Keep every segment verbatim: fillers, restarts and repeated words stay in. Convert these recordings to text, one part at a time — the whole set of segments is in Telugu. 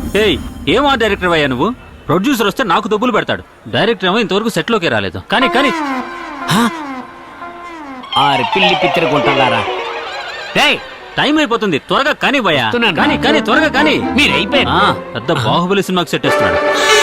ఏయ్ ఏం ఆ డైరెక్టర్ అయ్యా నువ్వు? ప్రొడ్యూసర్ వస్తే నాకు డబ్బులు పెడతాడు, డైరెక్టర్ ఏమో ఇంతవరకు సెట్ లోకి రాలేదు. కానీ కానీ ఆరు పిల్లి పిత్తిరుగుంటారా? టైం అయిపోతుంది, త్వరగా కానీ భయ్యా. కానీ కానీ త్వరగా కానీ. మీరు అయిపోయారు. పెద్ద బాహుబలి సినిమాకి సెట్ వేస్తున్నాడు.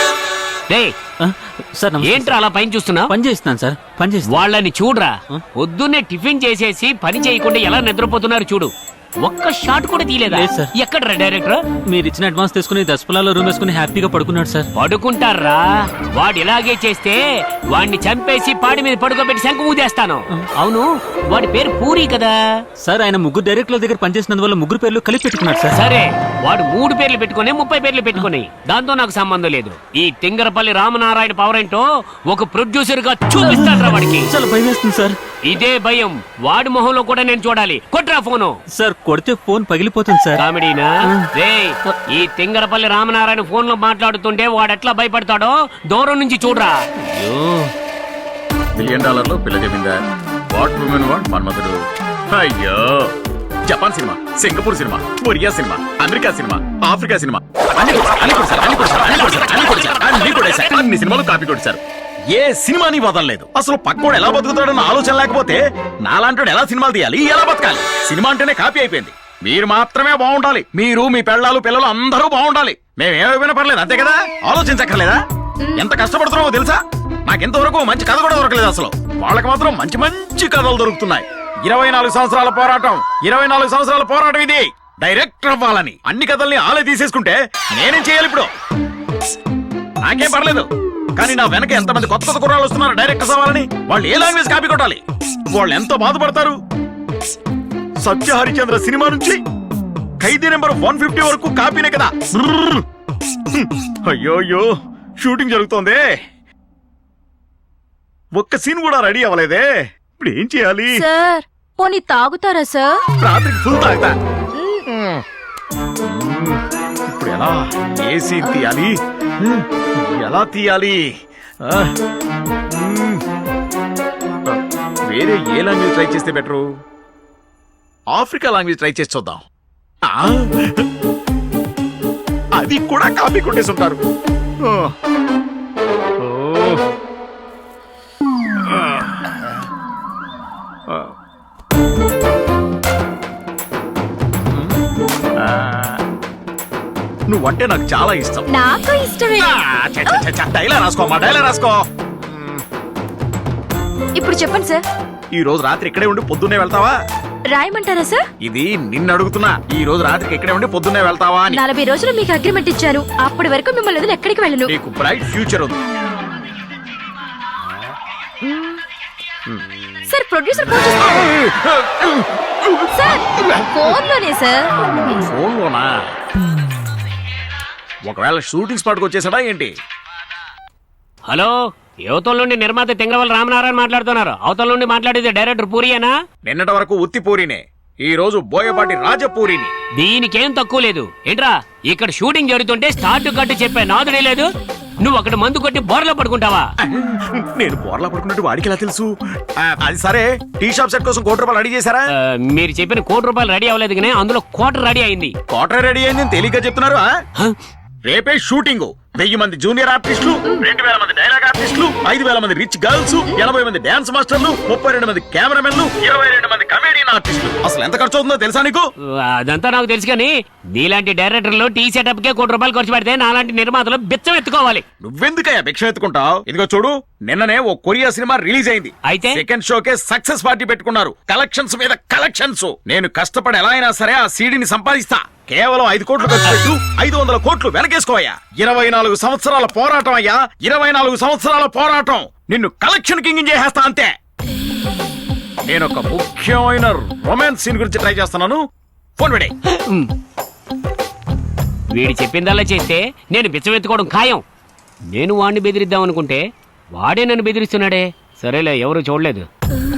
సార్ ఏంట్రా అలా పైన చూస్తున్నా? పని చేస్తున్నాను సార్, పని చేస్తా. వాళ్ళని చూడరా, పొద్దున్నే టిఫిన్ చేసేసి పని చేయకుండా ఎలా నిద్రపోతున్నారు చూడు. ఒక్క షాట్ కూడా తీయలేదా? ఎక్కడ డైరెక్టర్? మీరు ఇచ్చిన అడ్వాన్స్ తీసుకుని దసపలాలో రూమ్ వేసుకుని హ్యాపీగా పడుకున్నాడు సార్. పడుకుంటారా? వాడు ఇలాగే చేస్తే వాడిని చంపేసి పాడి మీద పడుకోబెట్టి శంకు ఊదేస్తాను. అవును, వాడి పేరు పూరి కదా సార్? ఆయన ముగ్గురు డైరెక్టర్ల దగ్గర పనిచేసినందువల్ల ముగ్గురు పేర్లు కలిపి పెట్టుకున్నాడు సార్. సరే, వాడు మూడు పేర్లు పెట్టుకుని ముప్పై పేర్లు పెట్టుకుని, దాంతో నాకు సంబంధం లేదు. ఈ తింగరపల్లి రామనారాయణ పవర్ ఏంటో ఒక ప్రొడ్యూసర్ గా చూపిస్తాడ్రా వాడికి. చాలా భయం వేస్తుంది సార్. ఇదే భయం వాడి మొహంలో కూడా నేను చూడాలి. కొట్రా ఫోను. సార్ కొడితే ఫోన్ పగిలిపోతుంది సార్. కామెడీనా? రే, ఈ తింగరపల్లి రామనారాయణ ఫోన్ లో మాట్లాడుతుంటే వాడెట్లా భయపడతాడో దూరం నుంచి చూడరా. మిలియన్ డాలర్లు పిల్ల చెప్పిందా? What women what Manmadhudu. అయ్యో, Japan cinema, Singapore cinema, Korea cinema, America cinema, Africa cinema, అన్ని సినిమాలు కాపీ కొట్టారు. ఏ సినిమాని వదలలేదు. అసలు పక్కోడు ఎలా బతుకుతాడన్న ఆలోచన లేకపోతే నాలాంటి ఎలా సినిమాలు తీయాలి, ఎలా బతకాలి? సినిమా అంటేనే కాపీ అయిపోయింది. మీరు మాత్రమే బాగుండాలి. మీరు, మీ పెళ్ళాలు, పిల్లలు అందరూ బాగుండాలి. మేమేమైనా పర్లేదు, అంతే కదా? ఆలోచించక్కర్లేదా? ఎంత కష్టపడుతున్నావో తెలుసా? నాకెంతవరకు మంచి కథ కూడా దొరకలేదు. అసలు వాళ్ళకి మాత్రం మంచి మంచి కథలు దొరుకుతున్నాయి. ఇరవై నాలుగు సంవత్సరాల పోరాటం, ఇరవై నాలుగు సంవత్సరాల పోరాటం ఇది. డైరెక్టర్ అవ్వాలని అన్ని కథల్ని ఆలే తీసేసుకుంటే నేనేం చేయాలి ఇప్పుడు? నాకేం పర్లేదు, కానీ నా వెనక ఎంతమంది కొత్త కొత్త కుర్రాళ్ళు వస్తున్నారు డైరెక్టర్స్ అవ్వాలని. వాళ్ళు ఏ లాంగ్వేజ్ కాపీ కొట్టాలి? వాళ్ళు ఎంతో బాధపడతారు. సత్య హరిచంద్ర సినిమా నుంచి ఖైదీ నెంబర్ వన్ ఫిఫ్టీ వరకు కాపీనే కదా. అయ్యోయ్యో, షూటింగ్ జరుగుతోంది, ఒక్క సీన్ కూడా రెడీ అవ్వలేదే. ఇప్పుడు ఏం చేయాలి? సార్ పోనీ తాగుతారా సార్? రాత్రికి ఫుల్ తాగుతా. ఇప్పుడు ఎలా ఏ సీన్ తీయాలి, ఎలా తీయాలి? వేరే ఏ లాంగ్వేజ్ ట్రై చేస్తే బెటరు? ఆఫ్రికా లాంగ్వేజ్ ట్రై చేసి చూద్దాం. అది కూడా కాపీ కొట్టేసి ఉంటారు. నువ్వంటే నాకు చాలా ఇష్టం. నాకు ఇష్టమే. డైలాగ్ రాసుకోమా, డైలాగ్ రాసుకో. ఇప్పుడు చెప్పండి సార్. ఈ రోజు రాత్రి ఇక్కడే ఉండి పొద్దున్నే వెళ్తావా? రాయమంటారా సార్? ఇది నిన్ను అడుగుతున్నా. ఈ రోజు రాత్రికి ఇక్కడే ఉండి పొద్దున్నే వెళ్తావా అని. నలభై రోజులు మీకు అగ్రిమెంట్ ఇచ్చాను. అప్పటి వరకు మిమ్మల్ని వదిలి ఎక్కడికి వెళ్ళను. నీకు బ్రైట్ ఫ్యూచర్ ఉంది. సార్ ప్రొడ్యూసర్ ఫోన్ చేస్తున్నారు. సార్ ఫోన్ లోనే సార్. ఫోన్ లోనా? ఒకవేళ షూటింగ్ స్పాట్కి వచ్చేసాడా ఏంటి? హలో, యువతల నుండి నిర్మాత తింగరవల్లి రామనారాయణ మాట్లాడుతున్నారు. అవతల నుండి మాట్లాడేది డైరెక్టర్ పూరియేనా? నిన్నటి వరకు ఉత్తి పూరినే, ఈ రోజు బోయపాటి రాజపూరిని. దీనికేం తక్కువ లేదు. ఏంట్రా, ఇక్కడ షూటింగ్ జరుగుతుంటే స్టార్ట్ కట్టు చెప్పే నాదుడే లేదు. నువ్వు అక్కడ మందు కొట్టి బోర్లా పడుకుంటావా? నేను బోర్లా పడుకున్నట్టు వాడికి ఎలా తెలుసు? అది సరే, టీ షాప్ సెట్ కోసం కోటి రూపాయలు రెడీ చేశారా? మీరు చెప్పిన కోటి రూపాయలు రెడీ అవ్వలేదు కానీ అందులో కోటర్ రెడీ అయింది. కోటర్ రెడీ అయింది తెలియక చెప్తున్నారు. రేపే షూటింగ్. వెయ్యి మంది జూనియర్ ఆర్టిస్టులు, రెండు వేల మంది డైలాగ్ ఆర్టిస్టులు, ఐదు వేల మంది రిచ్ గర్ల్స్, ఎనభై మంది డాన్స్ మాస్టర్లు, ముప్పై రెండు మంది కెమెరామెన్లు, ఇరవై రెండు మంది కమేడియన్ ఆర్టిస్టులు. అసలు ఎంత ఖర్చు అవుతుందో తెలుసా నీకు? అదంతా నాకు తెలుసు కానీ నీలాంటి డైరెక్టర్లు టీ సెటప్ కే కోటి రూపాయలు ఖర్చు పెడితే నాలాంటి నిర్మాతలు బిచ్చం ఎత్తుకోవాలి. నువ్వెందుకయ్యా భిక్షం ఎత్తుకుంటావు? ఇదిగో చూడు, నిన్ననే ఓ కొరియా సినిమా రిలీజ్ అయింది. అయితే సెకండ్ షోకే సక్సెస్ పార్టీ పెట్టుకున్నారు. కలెక్షన్స్ మీద కలెక్షన్స్. నేను కష్టపడి ఎలా అయినా సరే ఆ సీడీని సంపాదిస్తా. కేవలం ఐదు కోట్లు ఖర్చు పెట్టు, ఐదు వందల కోట్లు వెనకేసుకోవయ్యా. ఇరవై నాలుగు సంవత్సరాల పోరాటం అయ్యా, ఇరవై నాలుగు సంవత్సరాల పోరాటం. నిన్ను కలెక్షన్ కింగ్ చేసేస్తా అంతే. నేను ఒక ముఖ్యమైన రొమాన్స్ సీన్ గురించి ట్రై చేస్తున్నాను. ఫోన్ పెడే. వీడి చెప్పిందల్లా చేస్తే నేను బిచ్చమెత్తుకోవడం ఖాయం. నేను వాడిని బెదిరిద్దాం అనుకుంటే వాడే నన్ను బెదిరిస్తున్నాడే. సరేలే, ఎవరు చూడలేదు.